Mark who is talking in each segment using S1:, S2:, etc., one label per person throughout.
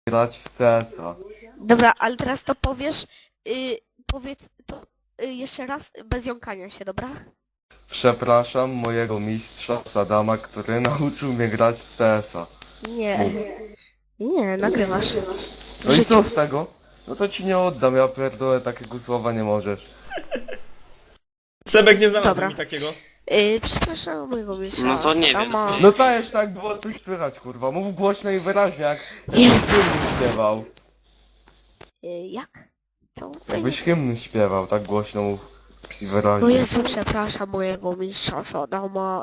S1: grać w CS-a.
S2: Dobra, ale teraz to powiesz, powiedz to jeszcze raz bez jąkania się, dobra?
S1: Przepraszam mojego mistrza Sadama, który nauczył mnie grać w CS-a.
S2: Nie,
S1: Mów.
S2: nie, nagrywasz. W
S1: No i
S2: życiu.
S1: co z tego? No to ci nie oddam, ja pierdolę, takiego słowa nie możesz.
S3: Sebek nie znalazł
S2: Dobra.
S3: mi takiego.
S2: Przepraszam mojego mistrza
S4: No to nie wiem,
S2: Sadama.
S4: nie.
S1: No dajesz, tak było coś słychać, kurwa. Mów głośno i wyraźnie, jak
S2: Jezu.
S1: hymn śpiewał.
S2: Jak? Co?
S1: Jakbyś hymn śpiewał, tak głośno mów i
S2: No
S1: wyraźnie.
S2: Jezu, przepraszam mojego mistrza Sadama.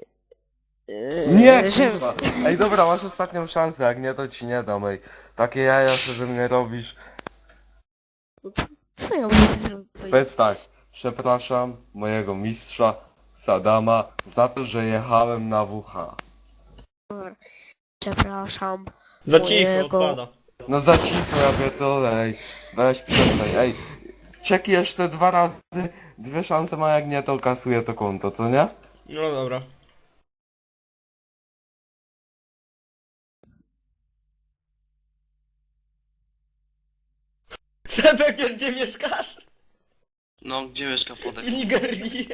S1: Nie,
S2: że...
S1: kurwa. Ej, dobra, masz ostatnią szansę, jak nie, to ci nie dam, ej. Takie jaja, co ze mnie robisz.
S2: Co ja mogę zrobić?
S1: Powiedz tak, przepraszam mojego mistrza Sadama za to, że jechałem na WH.
S2: Przepraszam.
S3: Za cicho,
S2: Mojego-
S3: odpada.
S1: No za cicho, ja pierdolę, ej. Weź przestań, ej. Czeki jeszcze 2 razy, 2 szanse ma, jak nie, to kasuje to konto, co nie?
S3: No dobra. Sebek, wiesz gdzie mieszkasz?
S4: No, gdzie mieszka
S3: W
S4: Podek?
S3: Nigerii.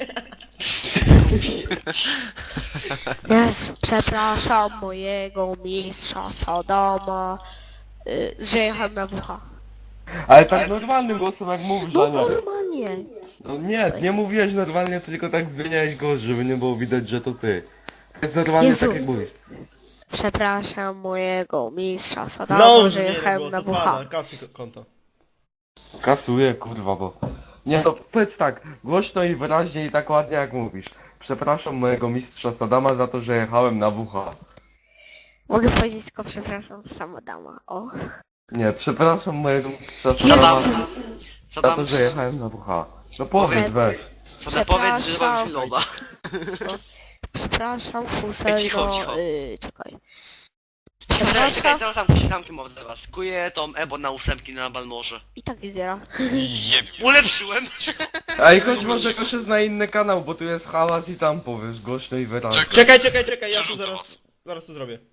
S2: Jezu, przepraszam mojego mistrza Sadama, że jechałem na WH.
S1: Ale tak normalnym głosem, jak mówisz,
S2: No
S1: a nie.
S2: normalnie.
S1: No nie, nie mówiłeś normalnie, tylko tak zmieniałeś głos, żeby nie było widać, że to ty. Jest normalnie
S2: Jezu.
S1: tak jak mówisz.
S2: Przepraszam mojego mistrza Sadama,
S3: No,
S2: że jechałem na WH.
S3: Kasy konto.
S1: Kasuję, kurwa, bo... Nie no, powiedz tak, głośno i wyraźnie i tak ładnie jak mówisz. Przepraszam mojego mistrza Sadama za to, że jechałem na WH.
S2: Mogę powiedzieć tylko przepraszam Sadama, o.
S1: Nie, przepraszam mojego mistrza
S2: Jezu.
S1: Sadama
S4: Co
S1: za
S4: tam?
S1: to, że jechałem na WH. No powiedz,
S2: Przed-
S1: weź.
S4: Co powiedz, że mam
S2: Przepraszam.
S4: chwilowa.
S2: Przepraszam
S4: Cicho,
S2: Husejno,
S4: cicho.
S2: czekaj.
S4: Czekaj,
S2: Przepraszam.
S4: teraz zamknij mordę was. Kuję tą Ebo na 8 na Balmorze.
S2: I tak nie zbiera.
S4: Ulepszyłem!
S1: Ej, chodź może koszy na inny kanał, bo tu jest hałas i tam powiesz głośno i wyraźnie.
S3: Czekaj, ja tu
S5: Przerzucę
S3: zaraz...
S5: was.
S3: Zaraz to zrobię.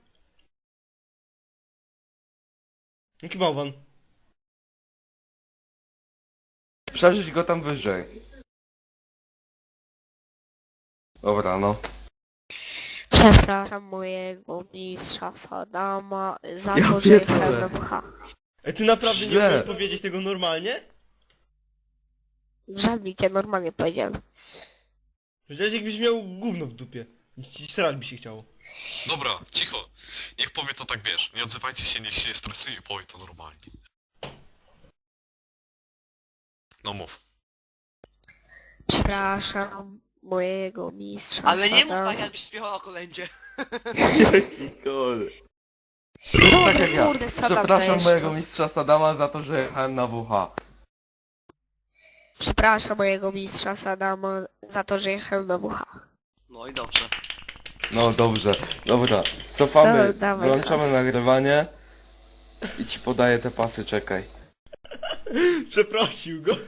S3: Jaki bałwan?
S1: Przeżyć go tam wyżej. Dobra, no.
S2: Przepraszam mojego mistrza Sadama za
S1: Ja
S2: to, że
S1: pierdolę.
S2: jechałem na WH.
S3: Ej, ty naprawdę nie
S1: Źle.
S3: umiesz powiedzieć tego normalnie?
S2: Żadnie cię normalnie powiedziałem.
S3: Przecież jakbyś miał gówno w dupie. Ci srać by się chciało.
S5: Dobra, cicho. Niech powie to tak, wiesz. Nie odzywajcie się, niech się nie stresuje i powie to normalnie. No mów.
S2: Przepraszam mojego mistrza
S4: Ale nie mów
S2: Sadama.
S4: tak, jakbyś śpiewał o kolędzie.
S1: Rób tak jak ja.
S2: Kurde, Sadam
S1: Przepraszam
S2: dajesz
S1: mojego
S2: to.
S1: mistrza Sadama za to, że jechałem na WH.
S2: Przepraszam mojego mistrza Sadama za to, że jechałem na WH.
S4: No i dobrze.
S1: No dobrze, dobra. Cofamy,
S2: No, dawaj
S1: wyłączamy
S2: teraz.
S1: nagrywanie. I ci podaję te pasy, czekaj.
S3: Przeprosił go.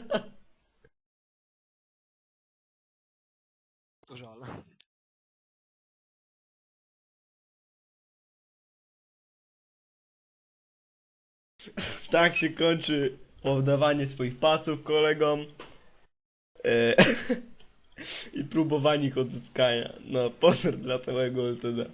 S4: Żal.
S3: Tak się kończy oddawanie swoich pasów kolegom. I próbowanie ich odzyskania. No, pozdro dla całego LTD.